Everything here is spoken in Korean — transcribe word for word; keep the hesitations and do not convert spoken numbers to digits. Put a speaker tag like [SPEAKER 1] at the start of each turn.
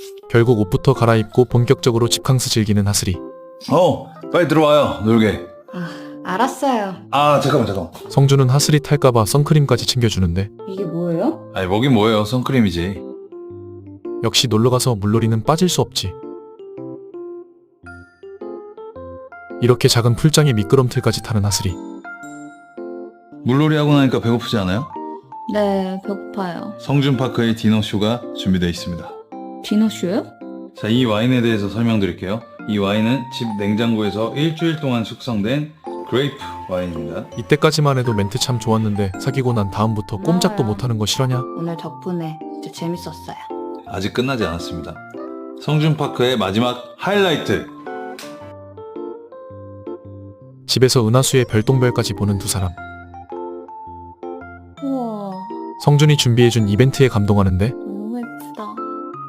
[SPEAKER 1] 결국 옷부터 갈아입고 본격적으로 집캉스 즐기는 하슬이.
[SPEAKER 2] 어, 빨리 들어와요. 놀게.
[SPEAKER 3] 아, 알았어요.
[SPEAKER 2] 아, 잠깐만, 잠깐만.
[SPEAKER 1] 성주는 하슬이 탈까봐 선크림까지 챙겨주는데
[SPEAKER 3] 이게 뭐예요?
[SPEAKER 2] 아니, 뭐긴 뭐예요. 선크림이지.
[SPEAKER 1] 역시 놀러가서 물놀이는 빠질 수 없지. 이렇게 작은 풀장에 미끄럼틀까지 타는 하슬이.
[SPEAKER 2] 물놀이 하고 나니까 배고프지 않아요?
[SPEAKER 3] 네, 배고파요.
[SPEAKER 2] 성준파크의 디너쇼가 준비되어 있습니다.
[SPEAKER 3] 디너쇼요?
[SPEAKER 2] 자, 이 와인에 대해서 설명드릴게요. 이 와인은 집 냉장고에서 일주일 동안 숙성된 그레이프 와인입니다.
[SPEAKER 1] 이때까지만 해도 멘트 참 좋았는데 사귀고 난 다음부터 꼼짝도
[SPEAKER 3] 고마워요.
[SPEAKER 1] 못하는 거 싫어냐?
[SPEAKER 3] 오늘 덕분에 진짜 재밌었어요.
[SPEAKER 2] 아직 끝나지 않았습니다. 성준파크의 마지막 하이라이트!
[SPEAKER 1] 집에서 은하수의 별똥별까지 보는 두 사람.
[SPEAKER 3] 우와.
[SPEAKER 1] 성준이 준비해준 이벤트에 감동하는데